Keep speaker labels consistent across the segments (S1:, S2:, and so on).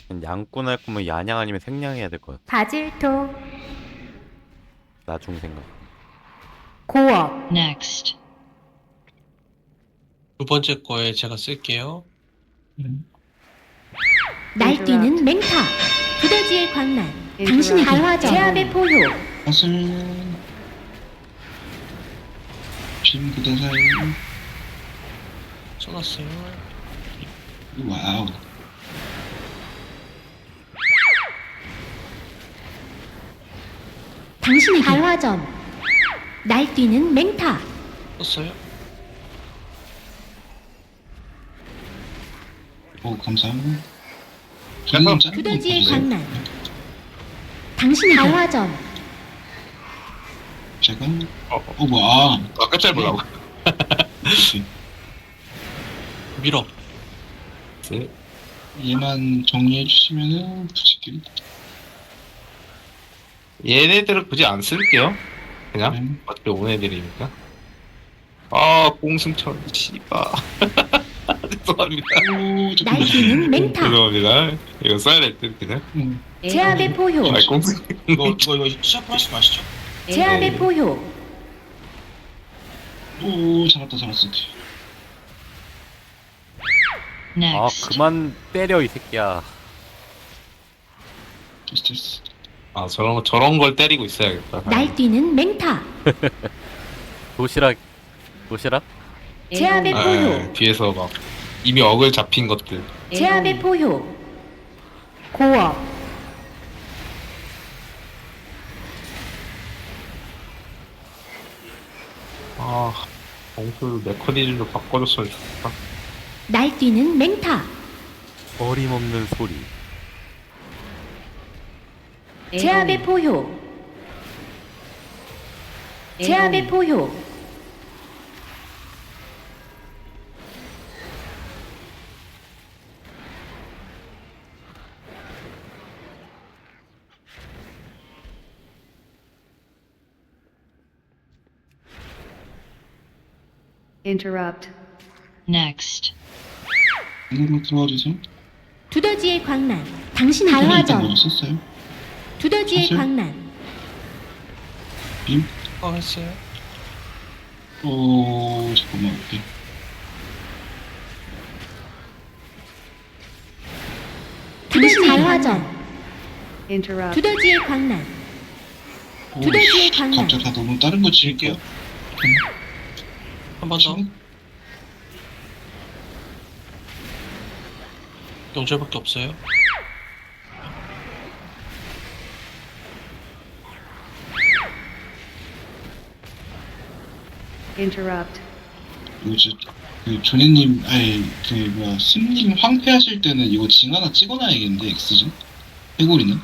S1: 양꾼 할 거면 야냥 아니면 생냥 해야 될 것 같아.
S2: 바질토,
S1: 나중 생각.
S2: 고업,
S3: Next.
S4: 두 번째 거에 제가 쓸게요.
S2: 날뛰는 맹타, 두더지의 광란, 당신의 발화정, 제압의 포효,
S5: 사슬 빔 그대사이
S4: 써놨어요.
S5: 와우
S2: 당신의 발화점, 날뛰는 맹타,
S4: 썼어요.
S5: 오 감사합니다
S6: 잠깐.
S2: 두더지의 광란, 당신의 발화점,
S5: 제가
S6: 어.
S5: 와
S6: 끝잘 보려고.
S5: 역시
S4: 밀어.
S5: 얘만 정리해 주시면은 붙일게요
S6: 얘네들은 굳이 안 쓸게요. 그냥
S5: 네.
S6: 어차피 오는 애들이니까. 아 공승천 씨발. 죄송합니다.
S5: 오 잠깐만
S2: 날뛰는 맹타,
S6: 죄송합니다. 이거 써야 될 듯 그냥.
S2: 제압의 포효,
S6: 아 공승.
S5: 이거 시작을 하시고 아시죠?
S2: 제압의 포효,
S5: 오 잡았다
S1: 아
S3: Next.
S1: 그만 때려 이 새끼야.
S5: 됐어
S6: 아 저런 걸 때리고 있어야겠다.
S2: 날뛰는 맹타,
S1: 도시락.
S2: 제압의
S6: 아,
S2: 포효,
S6: 뒤에서 막 이미 억을 잡힌 것들.
S2: 제압의 포효, 고업,
S6: 아 공수 메커니즘도 바꿔줬으면 좋겠다.
S2: 날뛰는 맹타,
S1: 어림없는 소리.
S2: 제압의 포효, 제압의 포효,
S7: Interrupt.
S3: Next.
S5: 이걸로 들어와 주세요
S2: 두더지의 광란, 당신의
S5: 일단
S2: 발화점,
S5: 먼저 썼어요
S2: 두더지의
S5: 사실-
S2: 광란,
S5: 빔
S4: 했어요.
S5: 오 잠깐만 오케이
S2: 당신의 발화점,
S7: Interrupt.
S2: 두더지의 광란,
S5: 오,
S2: 두더지의 광란,
S5: 갑자기 다 너무 다른 거 칠게요
S4: 한 번 더. 영절밖에 없어요.
S7: Interrupt.
S5: 이거 진짜 그 조네님 아니 그 뭐야 스님 황폐하실 때는 이거 징 하나 찍어놔야겠는데 엑스징 해골이는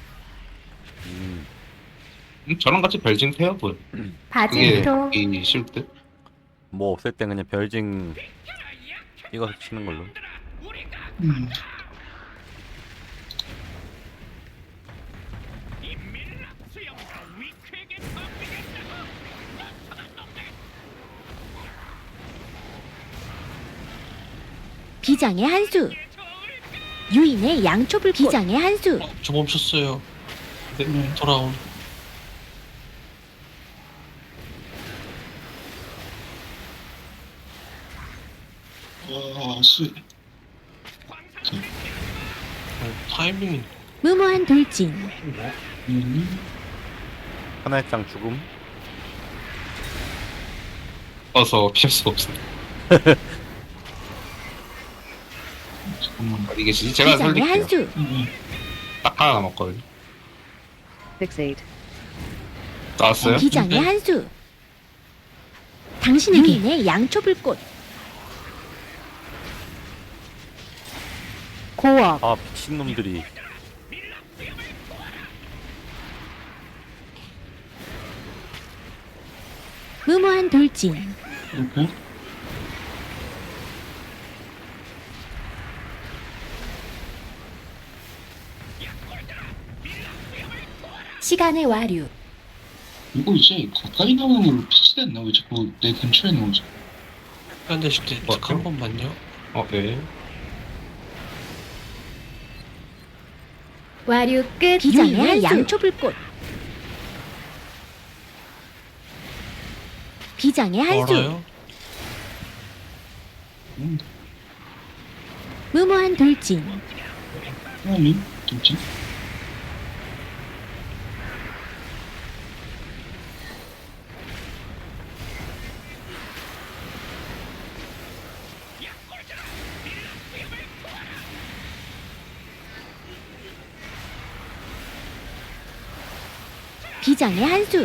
S6: 저랑 같이 별징 세요 뭐. 그게
S2: 바질토,
S6: 이 실드.
S1: 뭐 없을 땐 그냥 별징 찍어서 치는 걸로.
S5: 음.
S2: 비장의 한수, 유인의 양초불 비장의 한수,
S4: 저 멈췄어요. 네, 돌아온.
S5: 와 수.
S4: 타이밍이
S2: 무모한 돌진,
S1: 하나의 장 죽음.
S6: 어서 피할 수가 없어.
S5: 잠깐만
S6: 이게 진짜 제가
S2: 비장의
S6: 설득해요.
S2: 한수,
S6: 딱 하나 남았거든요.
S7: Fixate.
S6: 나왔어요?
S2: 비장의 한수, 당신에게 양초불꽃, 고업,
S1: 아 미친놈들이.
S2: 무모한 돌진,
S5: 이렇게
S2: 시간의 와류,
S5: 이거 이제 가까이 나오는 걸로 피치됐나 왜 자꾸 내 근처에 나오지
S4: 시간 되실 때 한 번만요.
S6: 네.
S2: 와류 끝. 비장의 양초불꽃. 비장의 한수.
S4: 멀어요?
S2: 무모한 돌진.
S5: 하나님 돌진.
S2: 비장의 한수.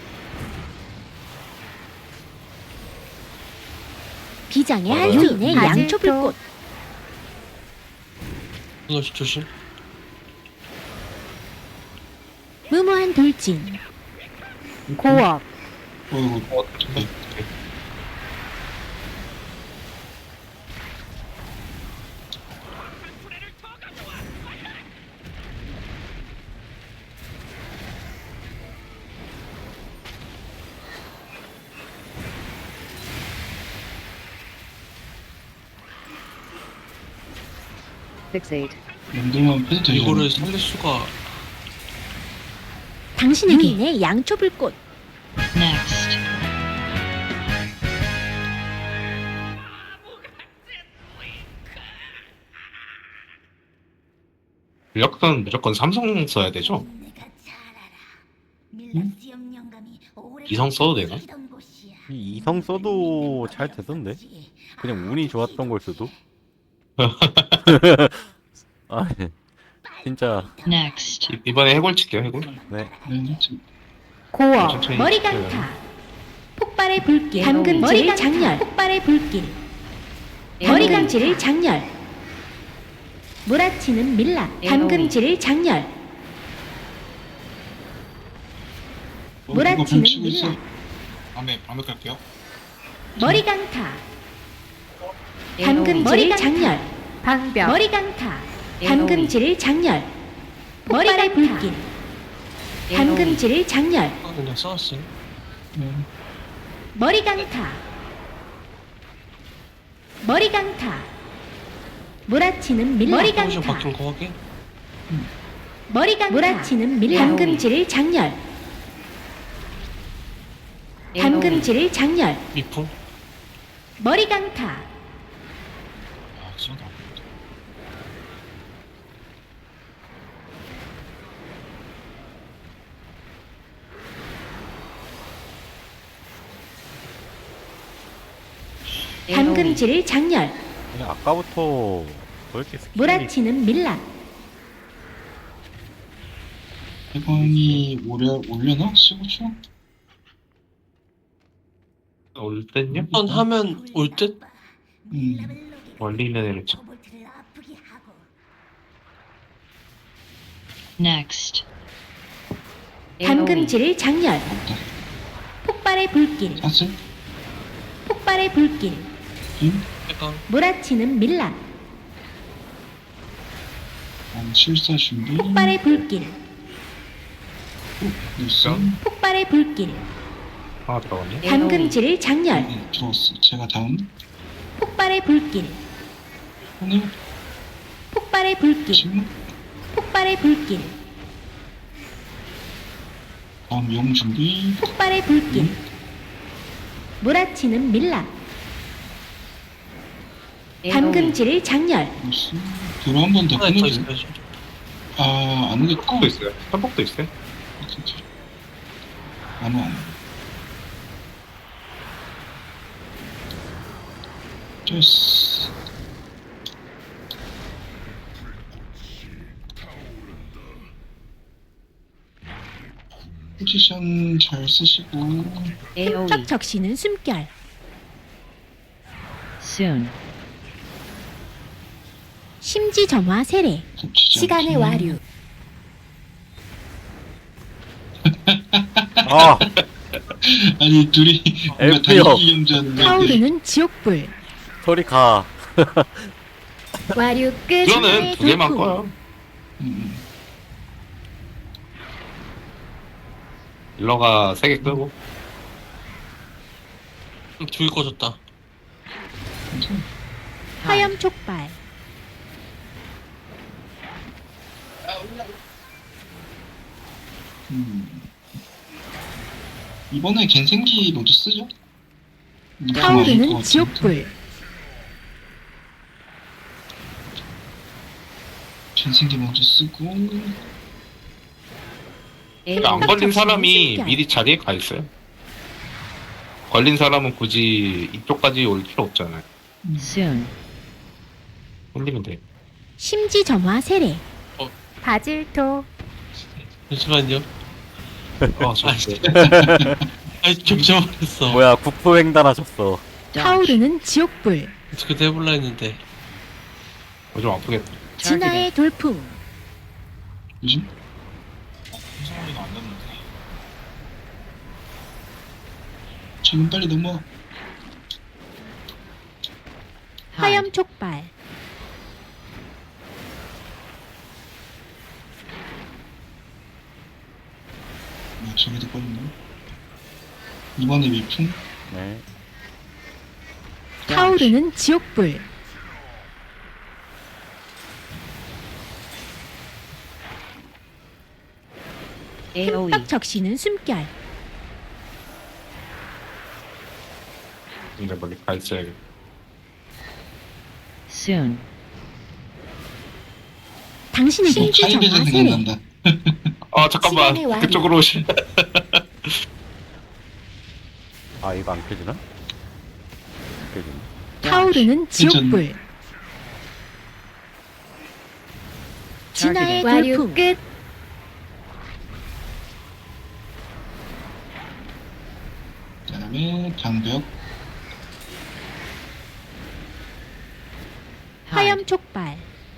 S2: 비장의 한수. 유인의 양초불꽃.
S4: 이것이 조심.
S2: 무모한 돌진. 고업.
S5: 이거
S6: 네.
S7: Fixate.
S5: 연동만 패도 되죠.
S4: 이거를 살릴 수가.
S2: 당신에게 유인의 양초불꽃.
S7: Next.
S6: 전력은 무조건 삼성 써야 되죠? 이성 써도 되나?
S1: 이 이성 써도 잘 되던데. 그냥 운이 좋았던 걸 수도. 아, 진짜.
S7: Next.
S6: 이번에 해골 칠게요, 해골.
S1: 네.
S5: 네, 지금
S2: 고업.
S6: 천천히
S2: 머리
S6: 해요.
S2: 강타. 폭발의 불길. 담금질을 장렬. 폭발의 불길. 머리 감지를 장렬. 몰아치는 밀랍. 담금질을 장렬.
S5: 이거
S2: 몰아치는
S5: 뱀치고 있어.
S2: 밀랍.
S6: 밤에 갈게요.
S2: 머리 강타. 담금질을 장렬.
S7: 방벽.
S2: 머리 강타. 담금질을 장렬. 폭발의 불길. 담금질을 장렬.
S4: 그냥 싸웠어요.
S2: 머리 강타. 머리 강타. 몰아치는 밀랍. 머리
S4: 포지션
S2: 강타.
S4: 바뀐 거 확인?
S2: 머리 강타. 몰아치는 밀랍. 담금질을 장렬. 담금질을 장렬.
S4: 미풍?
S2: 머리 강타.
S6: 아, 진짜.
S2: 담금질을 장렬.
S1: 그냥 아까부터 왜 이렇게 스킬이
S2: 몰아치는 밀랍.
S5: 해방이 올려나? 15초?
S6: 올 땐요?
S4: 한번 하면 올 듯?
S6: 멀리 있는 애를 쳐.
S7: Next.
S2: 담금질을 장렬.
S5: 없다.
S2: 폭발의 불길.
S5: 사슬?
S2: 폭발의 불길.
S4: 약간
S2: 몰아치는 밀랍.
S5: 실사 준비.
S2: 폭발의 불길.
S5: 뉴스.
S2: 폭발의 불길.
S6: 하나 들어갔네.
S2: 담금질을 장렬.
S5: 들어왔어. 제가 다음.
S2: 폭발의 불길.
S5: 오늘
S2: 폭발의 불길.
S5: 지금
S2: 폭발의 불길.
S5: 다음 용 준비.
S2: 폭발의 불길. 몰아치는 밀랍. 담금질을 장렬.
S5: 뉴스. 뒤로 한 번 더
S4: 하나 더
S5: 끊어줘.
S4: 있어야죠.
S5: 아, 안 오겠다.
S6: 도 있어요. 편복도 있어요.
S5: 진짜. 안 와. 됐어. 포지션 잘 쓰시고.
S2: 척 적시는 숨결.
S7: Soon.
S2: 심지 점화 세례.
S5: 겹치지
S2: 시간의
S5: 않게.
S2: 와류.
S1: 아,
S5: 아니 둘이 뭔가
S1: 엘프요.
S5: 달리기 경주하는데
S2: 타오르는 지옥불.
S1: 소리 가.
S2: 와류 끝.
S6: 이거는 두 개만 꺼요.
S5: 음,
S6: 일러가 3개 끄고.
S4: 둘 꺼졌다.
S5: 괜찮아.
S2: 화염 촉발.
S5: 이번에 갠생기 로드 쓰죠?
S2: 타오르는 지옥불.
S5: 갠생기 먼저 쓰고
S6: 안 걸린 사람이
S2: 숨결.
S6: 미리 자리에 가 있어요. 걸린 사람은 굳이 이쪽까지 올 필요 없잖아요.
S7: Soon.
S6: 걸리면 돼.
S2: 심지점화 세례.
S7: 바질토.
S4: 잠시만요.
S6: 아, 좋았어요.
S4: 아이 겹쳐버렸어.
S1: 뭐야 국포 횡단하셨어.
S2: 타오르는 지옥불.
S4: 어떻게 해볼라 했는데.
S6: 좀 아프겠다.
S2: 진화의 돌풍.
S5: 요즘 지금 빨리 넘어.
S2: 화염 촉발.
S5: 저기도 꺼졌네. 이번에 위풍.
S1: 네.
S2: 타오르는 지옥불. 흠뻑 적시는 숨결.
S6: 근데 멀리 가 있어야겠다.
S7: Soon.
S2: 당신의
S5: 뭐
S2: 심지점화
S5: 카이베전
S2: 세례.
S5: 생각난다.
S6: 아, 잠깐만.
S2: 시간의 완료.
S6: 그쪽으로 오시.
S1: 아 이거 안 켜지나? 안 켜지네.
S2: 타오르는 지옥불. 진화의 돌풍. 끝.
S5: 그다음에 방벽.
S2: 화염 촉발.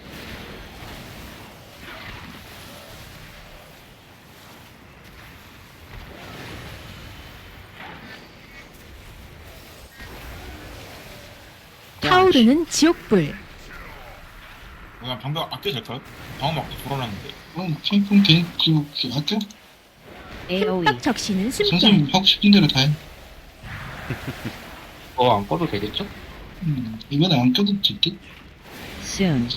S2: 타오르는 지옥불.
S3: 그냥 방벽 아껴도 될까요? 방어 막 돌아놨는데.
S5: 핑퐁 그리고 아껴?
S2: 흠뻑 적시는 숨결.
S5: 선생님 하고 싶은 대로 다 해.
S6: 안 꺼도 되겠죠?
S5: 이번에 안 껴도 될게.
S7: Soon.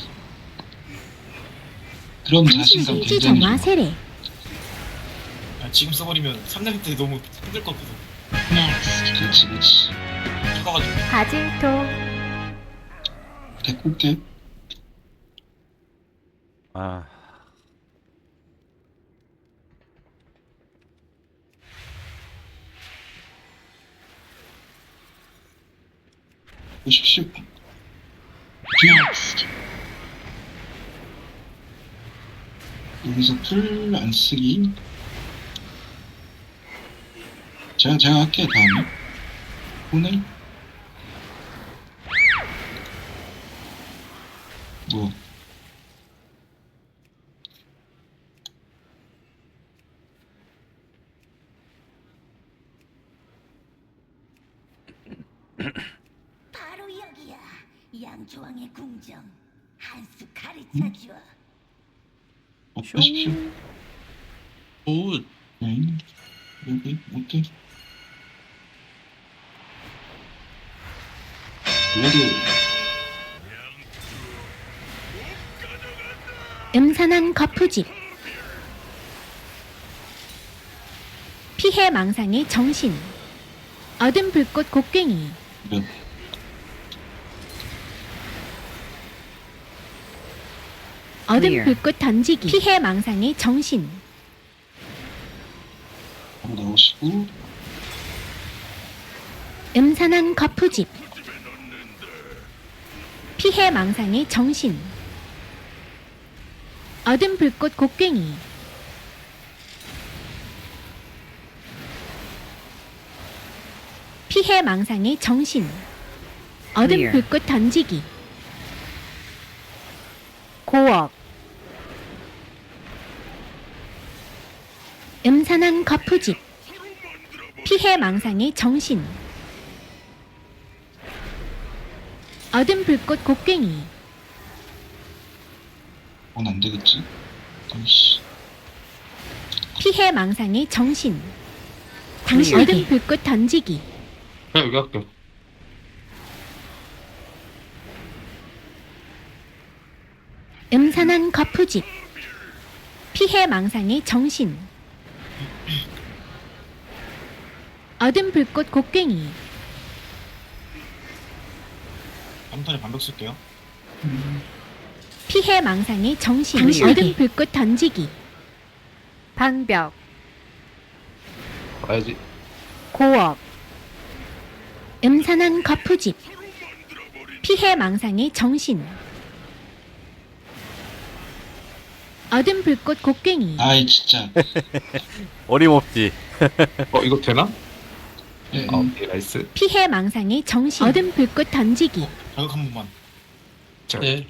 S5: 그럼
S2: 당신의
S5: 자신감 굉장히
S2: 심지점화
S5: 좋아.
S2: 세례.
S3: 아, 지금 써버리면 3년 때 너무 힘들 것 같아서.
S7: Next.
S5: 그렇지.
S3: 죽어가지고.
S2: 바질토.
S5: 데리고 올게.
S1: 아
S5: 보십시오.
S7: Next.
S5: 여기서 풀 안 쓰기. 제가 할게 다음에. 오늘 뭐
S8: 바로 여기야. 양조왕의 궁정. 한 수 가르쳐 줘.
S5: 보십시오.
S4: 오,
S5: 여기 오케이. 그래도
S2: 음산한 거푸집. 피해 망상의 정신. 어둠 불꽃 곡괭이.
S5: 몇
S2: 어둠
S7: Clear.
S2: 불꽃 던지기. 피해 망상의 정신.
S5: 바로 나오시고
S2: 음산한 거푸집. 피해 망상의 정신. 어둠 불꽃 곡괭이. 피해 망상의 정신. 어둠
S7: Clear.
S2: 불꽃 던지기. 고업. 음산한 거푸집. 피해 망상의 정신. 어둠 불꽃 곡괭이.
S5: 그건 안 되겠지. 아이씨.
S2: 피해 망상의 정신. 당신 어둠 불꽃 던지기.
S6: 그냥 여기 할게요.
S2: 음산한 거푸집. 피해 망상의 정신. 어둠 불꽃 곡괭이
S3: 다음 턴에 반벽 쓸게요.
S2: 피해 망상의 정신 어둠 불꽃 던지기 방벽
S6: 가야지.
S2: 고업 음산한 거푸집 피해 망상의 정신 어둠 불꽃 곡괭이
S5: 아이 진짜.
S1: 어림없지.
S6: 이거 되나?
S5: 예,
S6: 오케이, 나이스.
S2: 피해 망상의 정신 어둠 불꽃 던지기
S3: 자극 한 번만.
S6: 자,
S4: 네.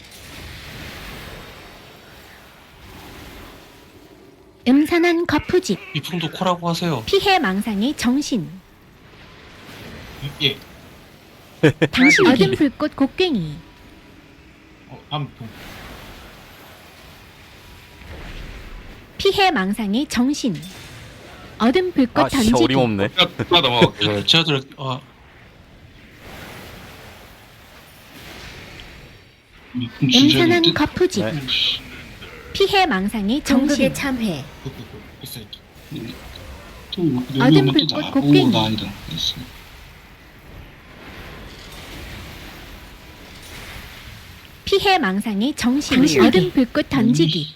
S2: 음산한 거푸집
S4: 미풍도 코라고 하세요.
S2: 피해 망상의 정신
S3: 예.
S2: 당신 어둠 불꽃 곡괭이
S3: 다음 분.
S2: 피해 망상의 정신 어둠 불꽃
S1: 아 진짜
S2: 던지기
S1: 어림없네.
S6: 나 넘어갈게.
S4: 제가 들어
S5: 미풍 주저릴
S2: 음산한
S5: 듯.
S2: 거푸집
S1: 네.
S2: 피해 망상의 정신 참회
S3: 그 있어요.
S5: 또 여기
S2: 어둠
S5: 오면 또
S2: 불꽃
S5: 나.
S2: 곡괭이.
S5: 오, 나 아니다. 됐어.
S2: 피해 망상의 정신 어둠 불꽃 던지기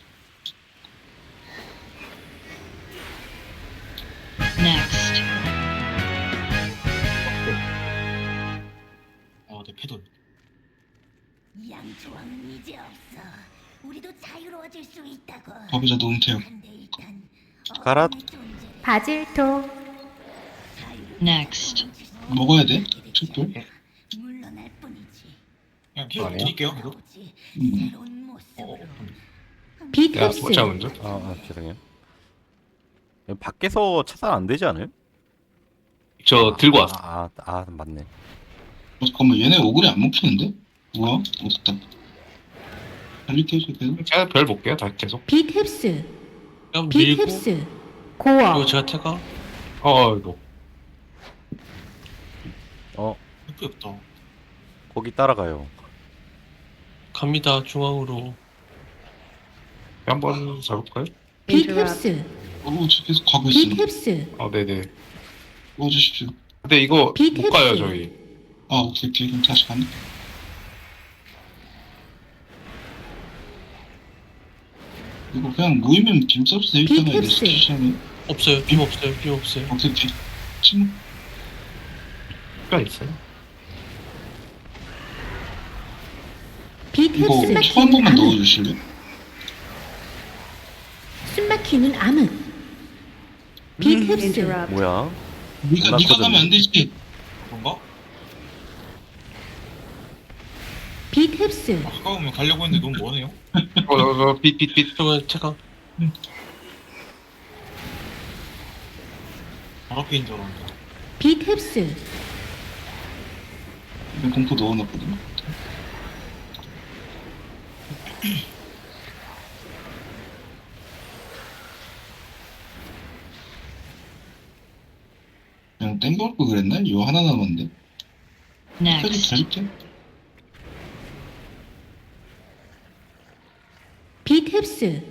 S7: Next.
S3: 네, 패돌.
S8: 양조왕은 이제 없어. 우리도 자유로워질 수 있다고.
S5: 가보자 노은태요.
S8: 근데 일단
S1: 가라.
S8: 어둠의 존재를
S2: 바질토
S7: Next.
S5: 먹어야 돼? 촛불?
S8: 물러날 뿐이지.
S3: 그냥 힐
S6: 아니야?
S3: 드릴게요. 이거.
S8: 오지
S5: 음.
S8: 새로운 모습으로.
S2: 빛
S6: 야,
S2: 흡수
S6: 오자 먼저.
S1: 죄송해요. 밖에서 차단 안 되지 않아요?
S6: 저 들고 왔어.
S1: 맞네.
S5: 잠깐만 얘네 오글이 안 먹히는데? 뭐야? 어떻다. 달리게 해줘 계속.
S6: 제가 별 볼게요. 다 계속.
S2: 빛 흡수
S4: 그냥
S2: 빛
S4: 밀고
S2: 흡수
S4: 이거
S2: 고어
S4: 제가 태가
S6: 이거.
S3: 힐프 없다.
S1: 거기 따라가요.
S4: 갑니다 중앙으로.
S6: 한번 잡을까요?
S2: 빛 흡수
S5: 저 계속 가고
S2: 빛
S5: 있어.
S2: 흡수
S6: 네네.
S5: 도와주십시오.
S6: 근데 이거
S2: 빛
S6: 못 가요,
S2: 흡수.
S6: 저희.
S5: 아 오케이 그럼 다시 가네. 이거 그냥 모이면 빔 써도 되겠잖아.
S2: 빛
S5: 이게
S2: 흡수.
S5: 시간이.
S4: 없어요. 빔 없어요. 빔 없어요.
S5: 오케이 오케이. 침.
S6: 시간 있어요.
S2: 빛
S5: 이거
S2: 흡수
S5: 초 한 번만
S2: 암흑
S5: 넣어주실래?
S2: 숨막히는 암흑 빛 흡수
S1: 뭐야?
S5: 네가 가면 안 되지.
S3: 그런가?
S2: 빛 흡수
S3: 가까우면 가려고 했는데 너무 머네요.
S6: 빛.
S4: 저건 태가
S3: 바로 앞에 있는 줄 알았는데.
S2: 빛 흡수
S5: 이거 공포 넣어놨거든. 그냥 땡겨올 걸 그랬나? 이거 하나 남았는데. 끝까지
S7: Next.
S5: 달릴게.
S2: 빛 흡수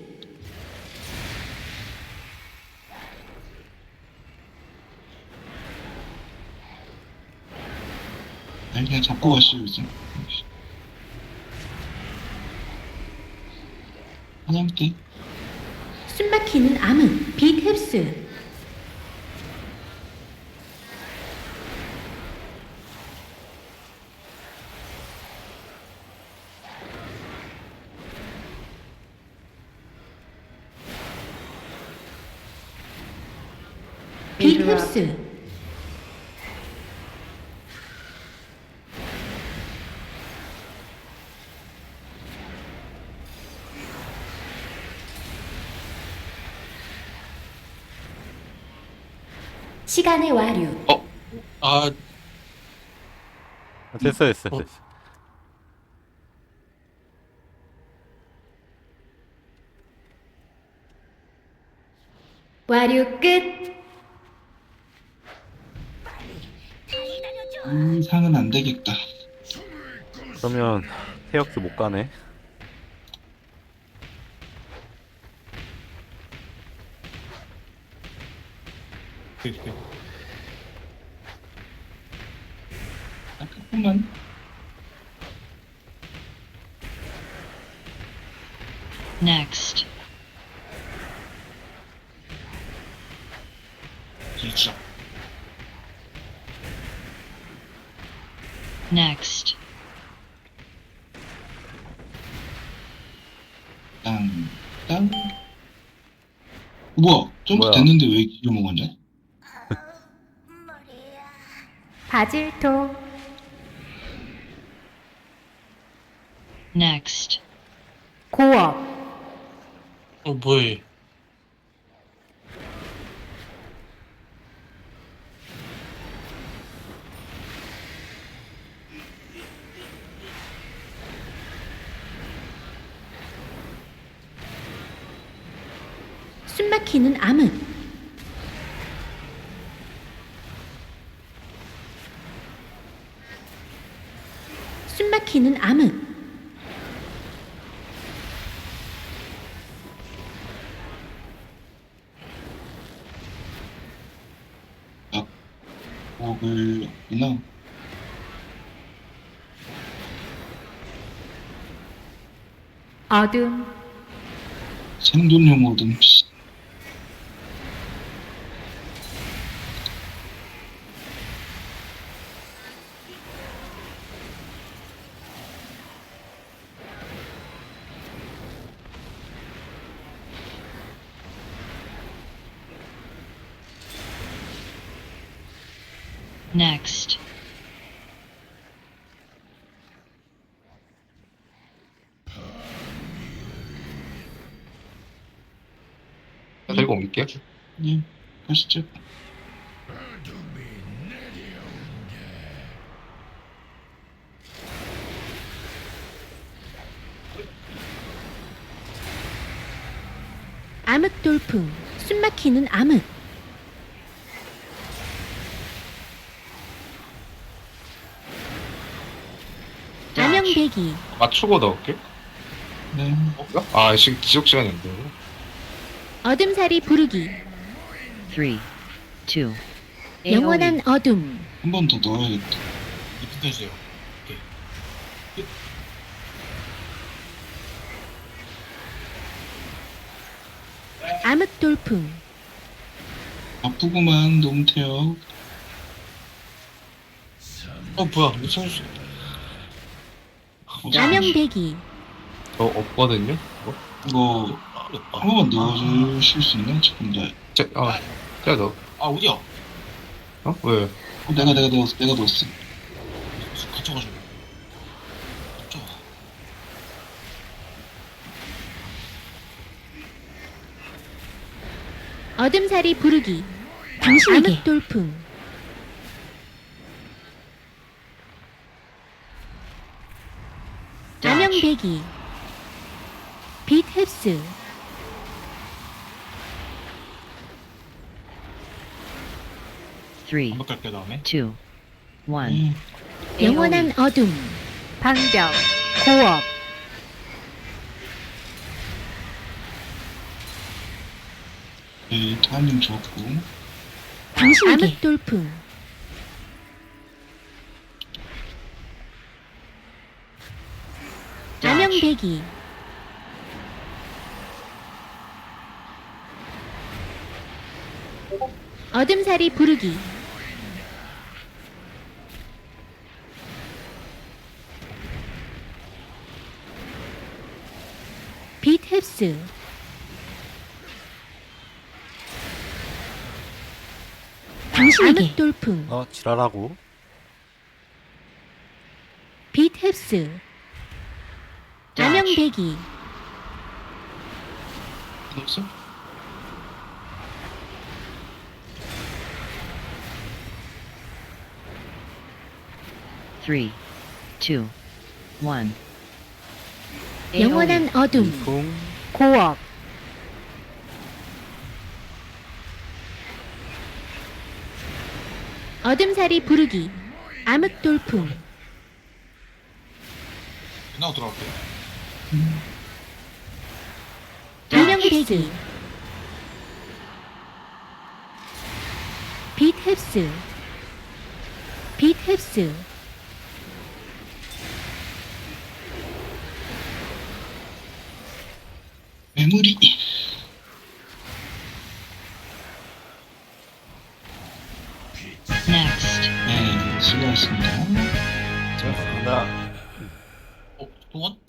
S5: 아니 그냥 잡고 가시죠 이제. 하나님께.
S2: 숨막히는 암흑 빛 흡수 빛 흡수 시간의 와류
S4: 아
S1: 됐어.
S2: 와류 끝
S5: 상은 안 되겠다.
S1: 그러면 태역스 못 가네.
S5: 조금만.
S7: Next.
S3: 진짜.
S7: Next.
S5: 땅. 뭐야? 점프
S1: 뭐야?
S5: 됐는데 왜 이거 먹었냐?
S8: 머리야.
S2: 바질토
S7: Next.
S2: 고업
S4: 뭐해?
S2: 숨막히는 암흑 숨막히는 암흑
S5: 먹을 이나
S2: 어둠
S5: 생존용 어둠. 씨.
S7: Next.
S6: 들고 옮길게요.
S5: 예, 가시죠.
S2: 암흑 돌풍 숨막히는 암흑 암영배기
S6: 맞추고 넣을게.
S5: 네.
S6: 아, 지속 시간인데.
S2: 어둠살이 부르기
S7: 3, 2,
S2: 영원한 어둠
S5: 한 번 더 넣어야겠다.
S3: 리프트 해주세요.
S2: 암흑 돌풍
S5: 아프구만 너무 태요.
S4: 뭐야? 미친 수.
S2: 암영배기
S6: 저 없거든요.
S5: 이거 한 번만 넣어주실 수 있나? 지금 나
S6: 제가 넣어.
S3: 아 어디야?
S6: 왜?
S5: 내가 넣었어.
S3: 갇혀가지고. 갇혀.
S2: 어둠살이 부르기 당신에게 암흑 돌풍 암영배기 빛 흡수
S7: Three,
S3: 반박할게 다음에.
S7: 2, 1.
S2: 영원한 어둠 방벽 고업
S5: 네, 타이밍 좋았고.
S2: 당신에게 암흑 돌풍 암영배기 어둠살이 부르기 빛 흡수 당신에게 암흑 돌풍
S1: 지랄하고.
S2: 빛 흡수 암영배기
S4: 없어?
S7: Three, 2, 1.
S2: 영원한 어둠
S1: 풍.
S2: 고업 어둠살이 부르기 암흑 돌풍
S3: 누나가 들어갈게.
S2: 암영배기 흡수. 빛 흡수.
S5: 메모리.
S7: Next.
S5: 네, 수고하셨습니다.
S1: 감사합니다.
S3: 동원?